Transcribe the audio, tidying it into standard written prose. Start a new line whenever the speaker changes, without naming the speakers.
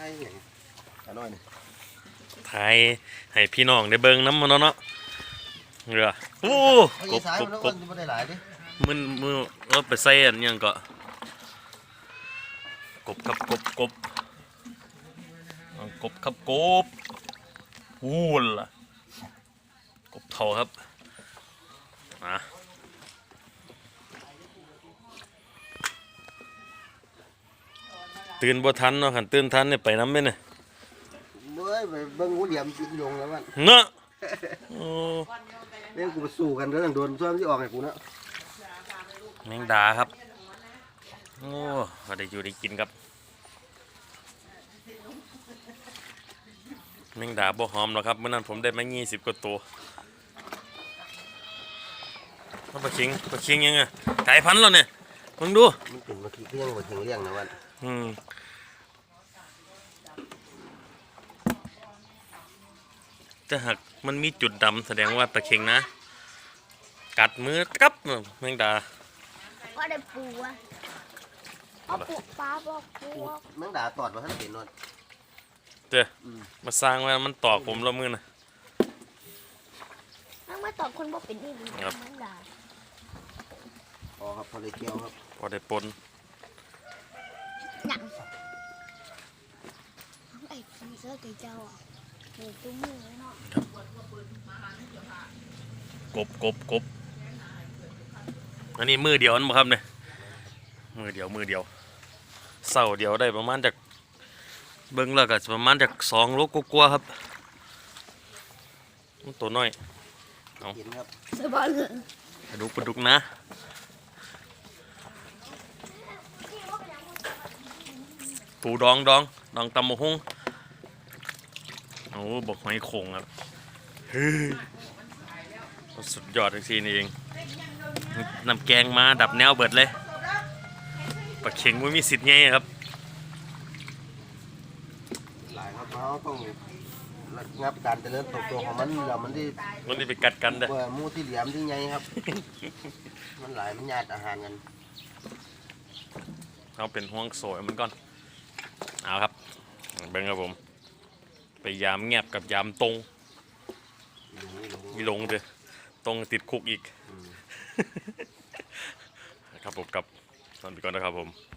ช่อย่างน้อยนี่
ถ่ายให้พี่น้องได้เบิ่งน้ำมันเนาะเรือโอ้กบ
ไม่ได้หลายดิ
มือเราไปใส่อันยังก็กบครับกบครับกบวูนล่ะกบเท่าครับตื่นบ่ทันเนาะขันตื่นทันเนี่ยไปน้ำไหมเนี่ย
เมื่อไปเบิ้งงูเหลี่ยมกินยงแล้วมัน
เนาะ
เนี่ยกูไปสู้กันเรื่องโดนซ้อมที่ออกไงกูเนาะ
แมงดาครับโอ้ได้อยู่ได้กินครับแมงดาบ่หอมหรอกครับเมื่อนั้นผมได้มา20 กว่าตัวปลาเค็งยังไงไก่พันธุ์แล้วเนี่ยมึงดู
มันเป็นปลาเค็งยังปลาเค็งเลี้ยงนะวัน
ถ้าหากมันมีจุดดำแสดงว่าปลาเค็งนะกัดมือกับแมงดา
ก็ได้ปูอ่ะเอาปูปลาบอกปู
แมงดาตอดมาท่านเห็นนวล
เจ้มาสร้างไว้มันต่อผมละมือนะ
นั่งมาตอบคนบอกเป็นนี่ดีแมงดา
พอครับพอได้เกี่ยวครับ
พอได้ปน
หนังไอ้ผีเสื้อเจ้าอ่ะโอ้ตุ้มมือเนาะ
กบอันนี้มือเดียวนั่นบ่ครับเนี่ยมือเดียวเสาเดียวได้ประมาณจากเบิ้งแล้วก็ประมาณจาก2 โลกกว่าครับตัวน้อยเอา
สบายเลย
ปลาดุกนะปูดองตำมะฮุ่งโอ้บอกหอยโข่งครับสุดยอดจริงๆนี่เองน้ำแกงมาดับแนวเบิดเลยปลาเข็งไม่มีสิทธิ์ไงครับ
หลายครับเขาต้องงับการเจริญเติบโตของมันแล้วมัน
ได้ไปกัดกันเด้อ
มูที่เหลี่ยมที่ไงครับมันหลายมันญาติอาหารกัน
เอาเป็นห่วงโซ่มันก่อนเอาครับเบิ้งครับผมไปยามแงบกับยามตรงลงเลยตรงติดคุกอีกครับผมกับตอนไปก่อนนะครับผม